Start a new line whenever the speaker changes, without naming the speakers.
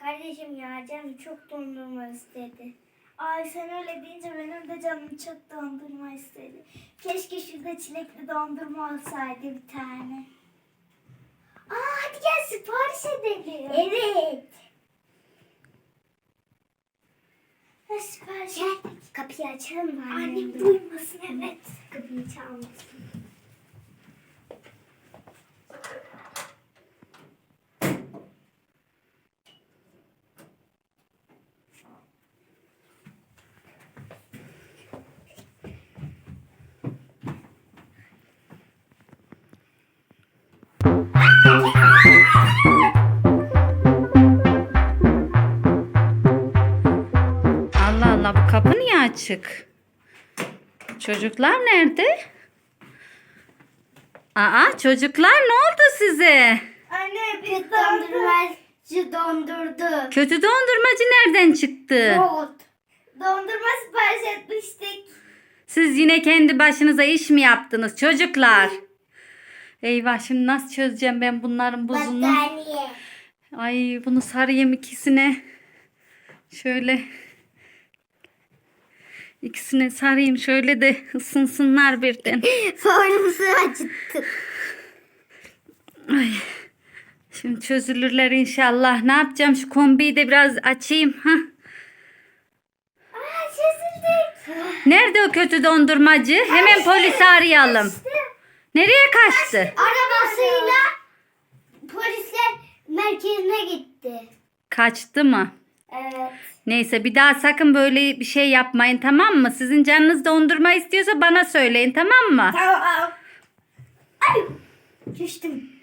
Kardeşim ya canım çok dondurma istedi. Ay sen öyle deyince benim de canım çok dondurma istedi. Keşke şurada çilekli dondurma olsaydı bir tane. Hadi gel sipariş edelim. Evet. Ha, sipariş et. Kapıyı açalım mı? Annem duymasın, evet. Kapıyı çalmasın.
Allah Allah, bu kapı niye açık? Çocuklar nerede? Aa, çocuklar ne oldu size?
Anne biz dondurmacı dondurdu.
Kötü dondurmacı nereden çıktı?
Dondurma sipariş etmiştik.
Siz yine kendi başınıza iş mi yaptınız çocuklar? Eyvah, şimdi nasıl çözeceğim ben bunların buzunu?
Battaniye.
Ay, bunu sarayım ikisine. Şöyle ikisine sarayım şöyle de ısınsınlar birden.
Formusu acıttık.
Ay. Şimdi çözülürler inşallah. Ne yapacağım? Şu kombiyi de biraz açayım. Ha?
Çözüldük.
Nerede o kötü dondurmacı? Hemen polisi arayalım. Nereye kaçtı?
Arabasıyla polisler merkezine gitti.
Kaçtı mı?
Evet.
Neyse, bir daha sakın böyle bir şey yapmayın, tamam mı? Sizin canınız dondurma istiyorsa bana söyleyin, tamam mı?
Tamam. Ay, düştüm.